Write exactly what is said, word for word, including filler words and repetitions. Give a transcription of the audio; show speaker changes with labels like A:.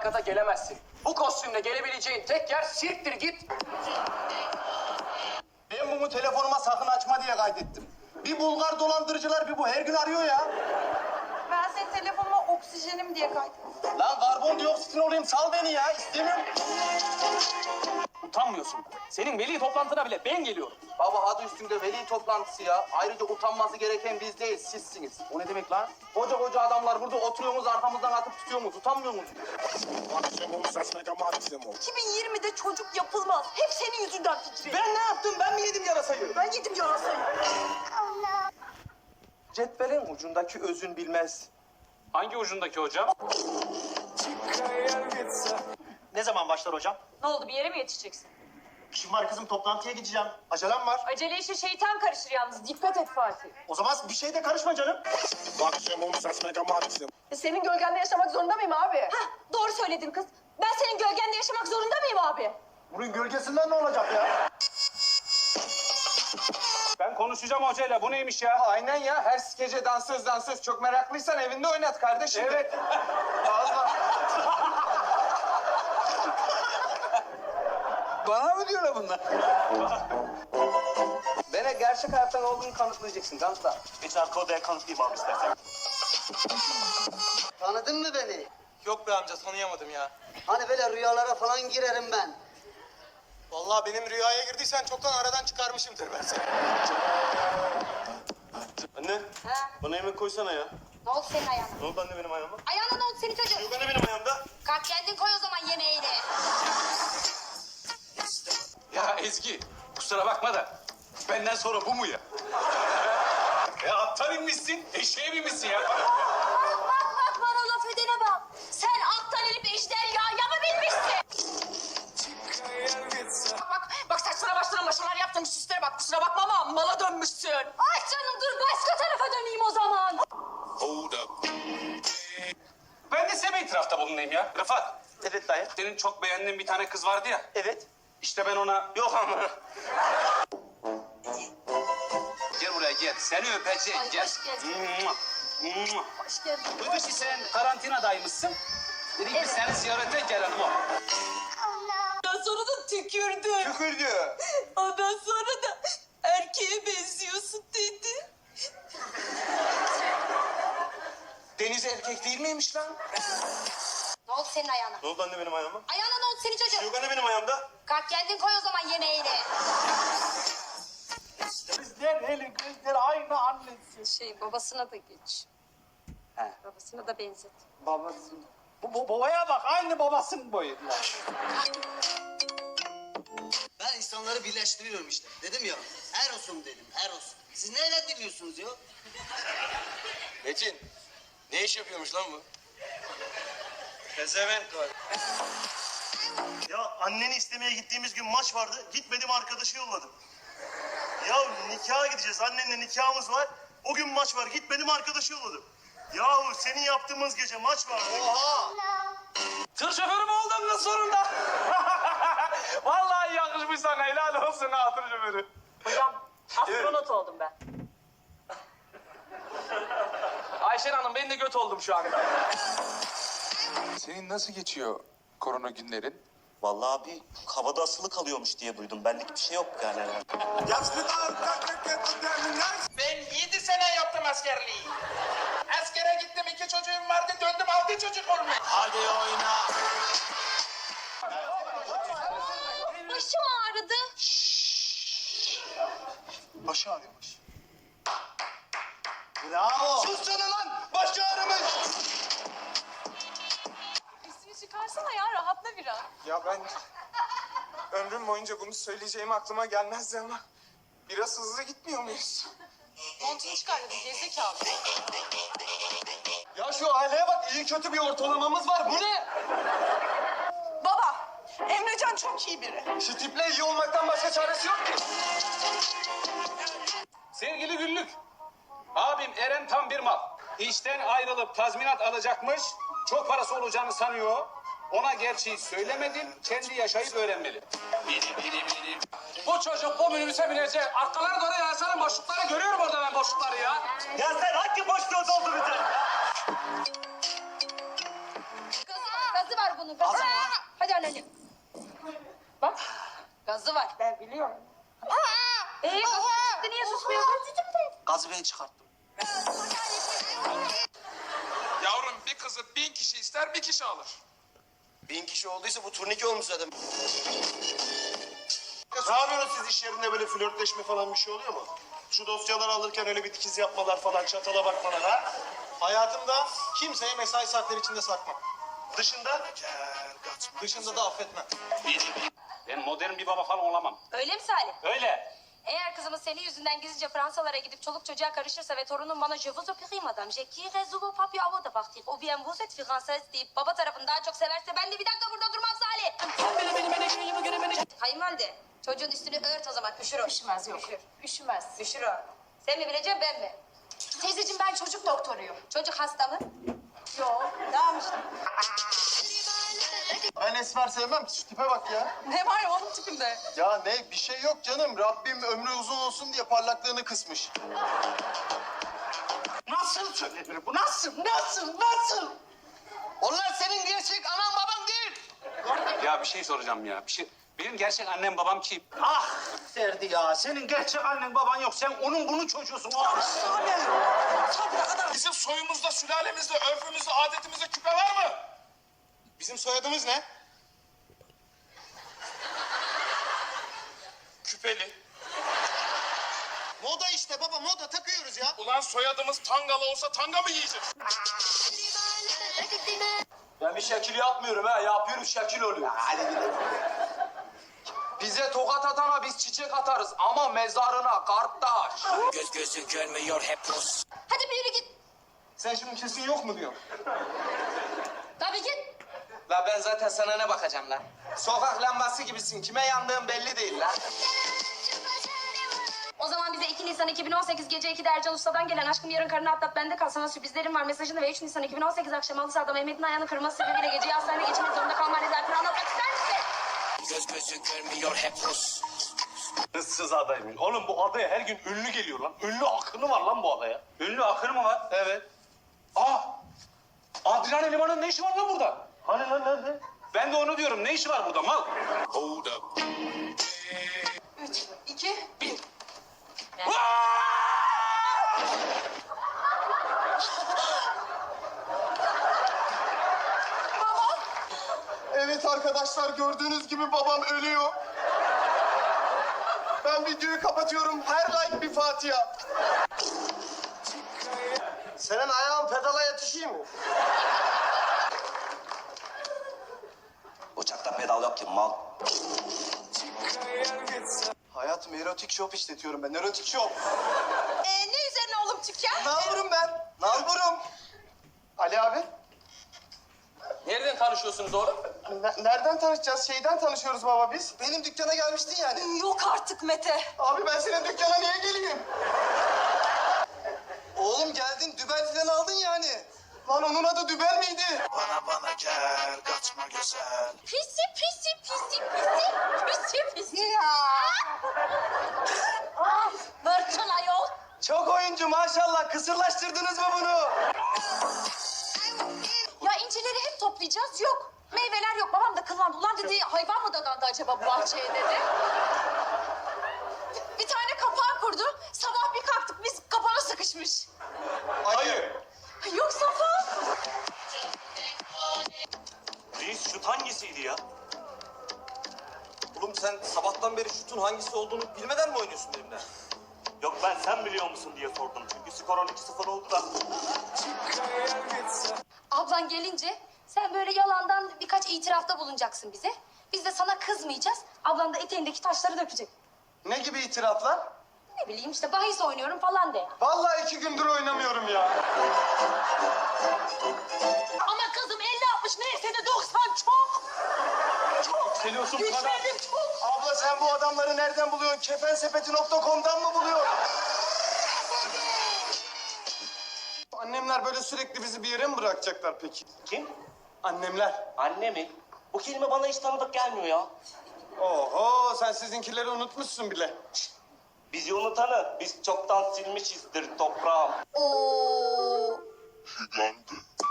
A: mülakata gelemezsin. Bu kostümle gelebileceğin tek yer sirktir git.
B: Ben bunu telefonuma sakın açma diye kaydettim. Bir Bulgar dolandırıcılar bir bu her gün arıyor ya.
C: Ben senin telefonuma oksijenim diye kaydettim.
B: Lan karbondioksitin olayım sal beni ya istemiyorum.
A: Utanmıyorsun. Senin veli toplantına bile ben geliyorum.
B: Baba adı üstünde veli toplantısı ya. Ayrıca utanması gereken biz değil sizsiniz. O ne demek lan? Koca koca adamlar burada oturuyorsunuz arkamızdan atıp tutuyorsunuz. Utanmıyor musunuz?
C: iki bin yirmide çocuk yapılmaz. Hep senin yüzünden Fikri.
A: Ben ne yaptım? Ben mi yedim yarasayı?
C: Ben yedim yarasayı.
B: Cetvelin ucundaki özün bilmez.
A: Hangi ucundaki hocam?
D: Ne zaman başlar hocam?
E: Ne oldu, bir yere mi yetişeceksin?
D: İşim var kızım, toplantıya gideceğim. Acelem var.
E: Acele işe şeytan karışır yalnız. Dikkat et Fatih.
D: O zaman bir şeyde karışma canım.
C: E, senin gölgende yaşamak zorunda mıyım abi?
E: Hah, doğru söyledin kız. Ben senin gölgende yaşamak zorunda mıyım abi?
B: Bunun gölgesinden ne olacak ya?
A: Ben konuşacağım hocayla. Bu neymiş ya?
B: Aynen ya. Her gece dansöz dansöz. Çok meraklıysan evinde oynat kardeşim.
A: Evet.
B: Bana mı diyorlar bunlar? Bana gerçek hayattan olduğunu kanıtlayacaksın. Kanıtla.
D: Geç arka odaya kanıtlayayım abi istersen.
F: Tanıdın mı beni?
G: Yok be amca tanıyamadım ya.
F: Hani böyle rüyalara falan girerim ben.
G: Vallahi benim rüyaya girdiysen çoktan aradan çıkarmışımdır ben seni.
D: Anne,
E: Ha?
D: bana yemek koysana ya.
E: Ne oldu senin ayağına?
D: Ne oldu anne benim ayağıma?
E: Ayağına ne oldu senin çocuğun?
D: Yok anne benim ayağımda.
E: Kalk kendin koy o zaman yemeğini.
A: Ya Ezgi, kusura bakma da benden sonra bu mu ya? Ya attan inmişsin, eşeğe binmişsin ya.
E: Bak bak bak bana laf edene bak. Sen attan inip ejderhaya mı binmişsin? Bak bak, bak saçlara başlara maşalar yaptım süslere bak. Kusura bakma ama mala dönmüşsün. Ay canım dur başka tarafa döneyim o zaman.
A: Ben de size bir itirafta bulunayım ya. Rıfat,
D: Evet dayı.
A: senin çok beğendiğin bir tane kız vardı ya.
D: Evet.
A: İşte ben ona...
D: Yok ama.
A: Gel buraya gel, seni öpeceğim,
E: Ay,
A: gel.
E: hoş geldin.
A: Mua, mua.
E: Hoş geldin.
A: Duyduk ki sen karantinadaymışsın. Dedik biz seni ziyarete gelelim o.
C: Ondan sonra da tükürdü.
B: Tükürdü.
C: Ondan sonra da erkeğe benziyorsun dedi.
B: Deniz erkek değil miymiş lan?
E: Ne oldu senin ayağına?
D: Ne oldu anne benim ayağıma?
E: Ayağına ne oldu senin çocuğun?
D: Yok anne benim ayağımda.
E: Kalk kendin koy o zaman yemeğini.
B: Bizler eli gözler aynı annesi.
E: Şey babasına da geç.
B: He.
E: Babasına da benzet.
B: Babası. Bu, bu babaya bak aynı babasının boyu.
F: Ben insanları birleştiriyorum işte. Dedim ya, Eros'um dedim, Eros. Siz neyle dinliyorsunuz ya?
G: Metin, ne iş yapıyormuş lan bu?
D: Pezevenk var. Ya anneni istemeye gittiğimiz gün maç vardı. Gitmedim arkadaşı yolladım. Ya nikaha gideceğiz. Annenle nikahımız var. O gün maç var. Gitmedim arkadaşı yolladım. Yahu senin yaptığımız gece maç vardı.
B: Oha!
A: Tır şoförü mü oldun kız sonunda? Vallahi yakışmış sana, helal olsun ha tır şoförü.
E: Hocam astronot oldum ben.
A: Ayşen Hanım ben de göt oldum şu anda.
H: Senin nasıl geçiyor korona günlerin?
D: Vallahi abi havada asılı kalıyormuş diye duydum. Benlik bir şey yok yani.
G: Ben yedi sene yaptım askerliği. Askere gittim, iki çocuğum vardı, döndüm altı çocuk olmuş.
D: Hadi oyna.
E: Başım ağrıdı.
D: Başı ağrıyormuş.
B: Bravo!
G: Sus sana lan, başı ağrımış.
C: Üstünü çıkarsana ya rahatla biraz.
I: Ya ben ömrüm boyunca bunu söyleyeceğim aklıma gelmezdi ama biraz hızlı gitmiyor muyuz?
C: Montunu çıkar dedim gerizekalı.
B: Ya şu aileye bak iyi kötü bir ortalamamız var. Bu ne?
C: Baba, Emrecan çok iyi biri.
B: Şu tiple iyi olmaktan başka çaresi yok ki.
A: Sevgili Güllük, abim Eren tam bir mal. İşten ayrılıp tazminat alacakmış, çok parası olacağını sanıyor. Ona gerçeği söylemedim, kendi yaşayıp öğrenmeli. Benim, benim, benim. Bu çocuk bu minibüse binecek. Arkalara doğru yansana boşlukları görüyorum orada ben boşlukları ya.
D: Ya sen hangi boşluğu dolduracaksın?
E: Gaza, gaza Gazı var bunun. Gazı.
F: Gazı mı?
E: Aa! Hadi anneciğim. Bak. Gazı var. Ben biliyorum. Ee, gazı çıktı niye susmuyorsun?
F: Gazı ben çıkarttım.
H: Yavrum bir kızı bin kişi ister bir kişi alır.
D: Bin kişi olduysa bu turnike olmuş zaten. Ne yapıyorsunuz siz iş yerinde böyle flörtleşme falan bir şey oluyor mu? Şu dosyaları alırken öyle bir dikiz yapmalar falan, çatala bakmalar ha?
J: Hayatımda kimseye mesai saatleri içinde sakmam.
D: Dışında?
J: Dışında da affetmem.
A: Ben modern bir baba falan olamam.
E: Öyle mi Salih?
A: Öyle.
E: Eğer kızımız senin yüzünden gizlice Fransalara gidip çoluk çocuğa karışırsa ve torunum bana je vous opérie madame, je quitte vous papier avant de partir, ou bien vous êtes française deyip baba tarafını daha çok severse ben de bir dakika burada durmam Salih. Kayınvalide, çocuğun üstünü ört o zaman, üşür o. Üşümez yok. Üşür. Üşümez. Üşür o. Sen mi bileceksin ben mi?
C: Teyzeciğim ben çocuk doktoruyum.
E: Çocuk hasta mı?
C: Yok. Tamam işte.
J: Ben esmer sevmem ki, şu tipe bak ya.
C: Ne var onun tipinde?
J: Ya ne, bir şey yok canım. Rabbim ömrü uzun olsun diye parlaklığını kısmış.
F: Nasıl söylenir bu? Nasıl? Nasıl? Nasıl? Onlar senin gerçek anan baban değil.
A: Ya bir şey soracağım ya. Bir şey. Benim gerçek annem babam kim?
F: Ah Ferdi ya, senin gerçek annen baban yok. Sen onun bunun çocuğusun. Ah,
H: Bizim soyumuzda, sülalemizde, örfümüzde, adetimizde küpe var mı?
J: Bizim soyadımız ne?
H: Küpeli.
J: Moda işte baba, moda takıyoruz ya.
H: Ulan soyadımız Tangalı olsa tanga mı yiyeceğiz?
B: Ben bir şekil yapmıyorum ha. Yapıyorum şekil oluyor. Hadi gidelim. Bize tokat atana biz çiçek atarız ama mezarına kardeş.
F: Göz gözü görmüyor hep Rus.
E: Hadi bir yürü git.
J: Sen şimdi kesin yok mu diyorsun?
E: Tabii git.
B: La ben zaten sana ne bakacağım lan? Sokak lambası gibisin. Kime yandığın belli değil lan.
E: O zaman bize iki Nisan iki bin on sekiz gece ikide Ercan Usta'dan gelen aşkım yarın karını atlat bende kal sana sürprizlerim var mesajını ve üç Nisan iki bin on sekiz akşam halı sahada Mehmet'in ayağını kırması sebebiyle geceyi hastanede geçirmek zorunda kalma rezaletini anlatmak ister misin?
F: Göz gözü görmüyor hep Rus.
B: Hırsız adaymış. Oğlum bu adaya her gün ünlü geliyor lan. Ünlü akını var lan bu adaya.
A: Ünlü akır mı var?
B: Evet.
A: Aa! Adrian Eleman'ın ne işi var lan burada?
B: Hani lan nerede?
A: Ben de onu diyorum. Ne işi var burada mal?
H: Hold up.
C: Üç, iki, bir.
J: Evet arkadaşlar, gördüğünüz gibi babam ölüyor. Ben videoyu kapatıyorum. Her like bir Fatiha.
D: Senin ayağın pedala yetişiyor mu?
B: Uçakta pedal yok ki mal.
J: Hayatım, erotik shop işletiyorum ben. Erotik shop.
C: Ee, ne üzerine oğlum dükkan?
J: Nalburum ben. Nalburum. Ali abi.
B: Nereden tanışıyorsunuz oğlum?
J: Ne- nereden tanışacağız? Şeyden tanışıyoruz baba biz. Benim dükkana gelmiştin yani.
C: Yok artık Mete.
J: Abi ben senin dükkana niye geleyim? Oğlum geldin, dübel falan aldın yani. Lan onun adı dübel miydi?
H: Bana bana gel, kaçma güzel.
E: Pisi pisi pisi pisi pisi pisi.
C: Ya.
E: Ah, Bırçın ayol.
B: Çok oyuncu maşallah. Kısırlaştırdınız mı bunu?
C: Ya incileri hep toplayacağız yok. Meyveler yok. Babam da kıllandı. Ulan dedi hayvan mı dadandı acaba bu bahçeye dedi. Bir tane kapağı kurdu. Sabah bir kalktık biz kapağa sıkışmış.
J: Hayır.
C: Yok Safa.
B: Reis şut hangisiydi ya? Oğlum sen sabahtan beri şutun hangisi olduğunu bilmeden mi oynuyorsun benimle?
D: Yok ben sen biliyor musun diye sordum. Çünkü skor on iki sıfır oldu da.
E: Ablan gelince sen böyle yalandan birkaç itirafta bulunacaksın bize. Biz de sana kızmayacağız. Ablan da eteğindeki taşları dökecek.
J: Ne gibi itiraflar?
E: Ne bileyim işte bahis oynuyorum falan de.
J: Vallahi iki gündür oynamıyorum ya.
C: Ama kızım elli altmış neyse de doksan çok.
B: Yükseliyorsun bu kadar.
C: Güçlerim çok.
J: Abla sen bu adamları nereden buluyorsun? kefensepeti nokta com'dan mı buluyorsun? Annemler böyle sürekli bizi bir yere mi bırakacaklar peki?
B: Kim?
J: Annemler.
B: Anne mi? Bu kelime bana hiç tanıdık gelmiyor ya.
J: Oho, sen sizinkileri unutmuşsun bile.
B: Bizi unutanı biz çoktan silmişizdir toprağım.
E: Oo.
H: Hügandı.